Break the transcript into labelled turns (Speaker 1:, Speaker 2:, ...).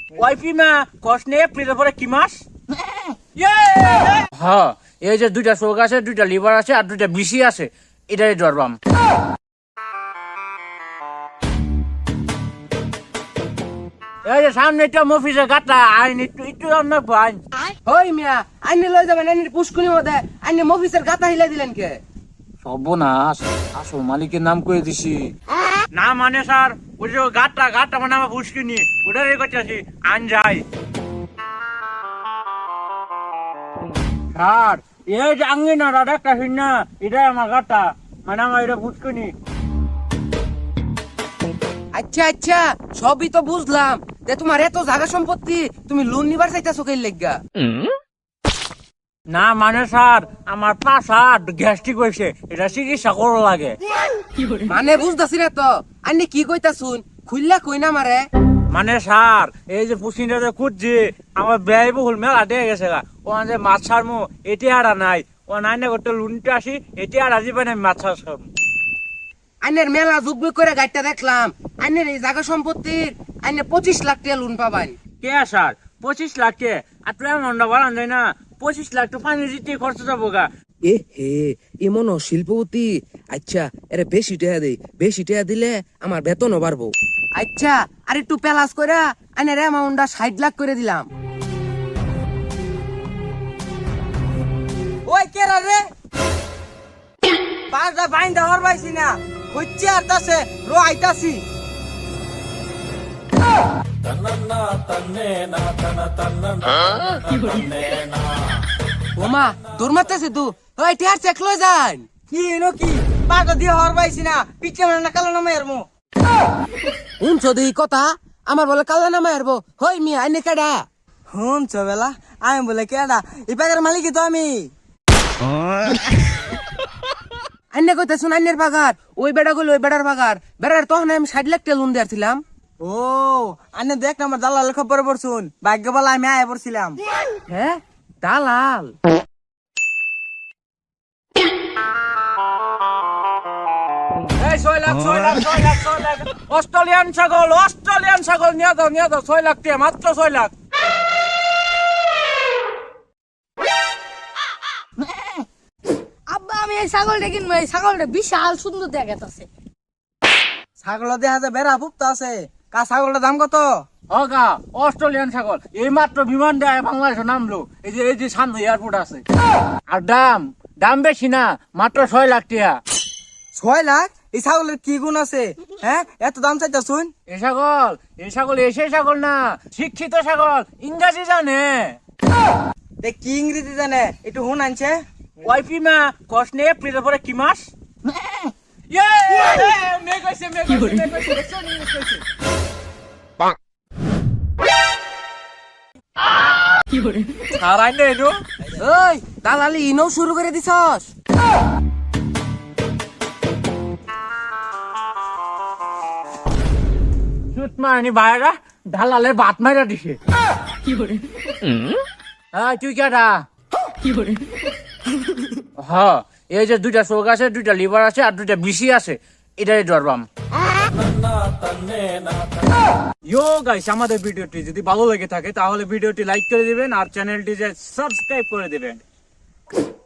Speaker 1: ওয়াইফি মা কসনে এপ্রিলের পরে কি মাস? হ্যাঁ, এই যে দুইটা চোখ আছে, দুইটা লিভার আছে আর দুইটা বিসি আছে, এটাই ধরবাম। এই যে সামনে একটা মফিসে গাটা আইন একটু অন্য আইন।
Speaker 2: হই মিয়া আইনে লই যাবেন, আইনের পুষ্কুনি মধ্যে আইনে মফিসের গাতা হিলাই দিলেন কে?
Speaker 1: সর্বনাশ, আসল মালিকের নাম করে দিছি। না মানে স্যার, ওই যে গাটা মানে আমার পুষ্কিনি, ওটারই করতেছি আইন যাই। স্যার এই যে আঙ্গিনা দাদা একটা না, এটাই আমার গাটা মানে আমার এটা পুষ্কিনি।
Speaker 2: আচ্ছা আচ্ছা, সবই তো বুঝলাম, যে তোমার এত জায়গা সম্পত্তি, তুমি লোন নিবার চাইতেছো কে লাগা?
Speaker 1: না মানে স্যার, আমার পাশা গ্যাস্ট্রিক হয়েছে, এটা চিকিৎসা করা লাগে।
Speaker 2: মানে বুঝতাছি না তো, আইনে কি কইতাছুন, খুললা কই না মারে?
Speaker 1: মানে স্যার এই যে পুষ্কিনটা খুঁজছি, আমার ব্যয় বহুল মেলা দিয়ে গেছে গা, ও যে মাছ ছাড়মু এটি আর নাই, ও নাই না করতে লুনটা আসি, এটি আর আজি পাই না মাছ ছাড়ম।
Speaker 2: আইনের মেলা যুগ করে গাড়িটা দেখলাম, আইনের এই জায়গা সম্পত্তির আইনে 25 লাখ টাকা লোন পাবান।
Speaker 1: কে স্যার 25 লাখ কে? আর তুই এমনটা বাড়ান যায় না, 25 লাখ তো পানি দিতে খরচ যাবো গা।
Speaker 2: এ হে এমন শিল্পপতি। আচ্ছা এরে বেশি টাকা দেই, বেশি টাকা দিলে আমার বেতনও বাড়বো। আচ্ছা আর একটু প্যালাস কইরা আইনের অ্যামাউন্টটা 60 লাখ করে দিলাম।
Speaker 3: ওই কেরা রে, পাঁচটা বাইন দেওয়ার পাইছি না, হচ্ছে আর তাছে রো আইতাছি।
Speaker 2: ওমা তোর মারতেছে তু, ওই টিয়ার চেক লই যান।
Speaker 3: কি এনো কি পাগা দিয়ে হওয়ার পাইছি না, পিছে মানে না কালো নামে এরমো।
Speaker 2: শুনছ দেই কথা, আমার বলে কালা নামা হারবো। হই মিয়া আইনে কেডা?
Speaker 3: হুন চবেলা আমি বলে কেডা, এই পাগের মালিকই তো আমি।
Speaker 2: আইনে কইতেছুন আইনের বাগার, ওই বেড়া গেল ওই বেড়ার বাগার, বেড়ার তখন আমি 60 লাখ টাকা লোন দিয়েছিলাম।
Speaker 3: ও আনে দেখ না আমার দালাল খবর পড়ছুন, ভাগ্য বলা আমি আয়া পড়ছিলাম।
Speaker 2: হ্যাঁ দালাল?
Speaker 1: এই 6 লাখ অস্ট্রেলিয়ান ছাগল নিয়ে দাও 6 লাখ টাকা, মাত্র 6 লাখ।
Speaker 4: আব্বা আমি এই ছাগলটা কিনবো, এই ছাগলটা বিশাল সুন্দর দেখাচ্ছে।
Speaker 3: ছাগল দেখা যায় বেড়া ফুপতো আছে, কা ছাগলটার দাম কত?
Speaker 1: হগা অস্ট্রেলিয়ান ছাগল এই মাত্র বিমান দেয় বাংলাদেশে নামলো, এই যে সামনে এয়ারপোর্ট আছে। আর দাম বেশি না, মাত্র 6 লাখ টাকা।
Speaker 3: 6 লাখ? এই ছাগলের কি গুণ আছে হ্যাঁ এত দাম চাইতা শুন?
Speaker 1: এই ছাগল এসে ছাগল না, শিক্ষিত ছাগল, ইংরাজি জানে।
Speaker 3: দেখ কি ইংরেজি জানে, একটু হুন আনছে।
Speaker 1: ওয়াইফি মা কসনে এপ্রিলের পরে কি মাস?
Speaker 2: ওই দালালি ইনো শুরু করে দিছস?
Speaker 1: মারানি ভাইরা ঢালালে ভাত মাইরা দিছে। তুই কেডা? হ্যাঁ, এই যে দুইটা চোখ আছে, দুইটা লিভার আছে আর দুইটা বিসি আছে, এটাই ধরবাম। গাইস, আমাদের ভিডিওটি যদি ভালো লেগে থাকে তাহলে ভিডিওটি লাইক করে দিবেন আর চ্যানেলটি সাবস্ক্রাইব করে দিবেন।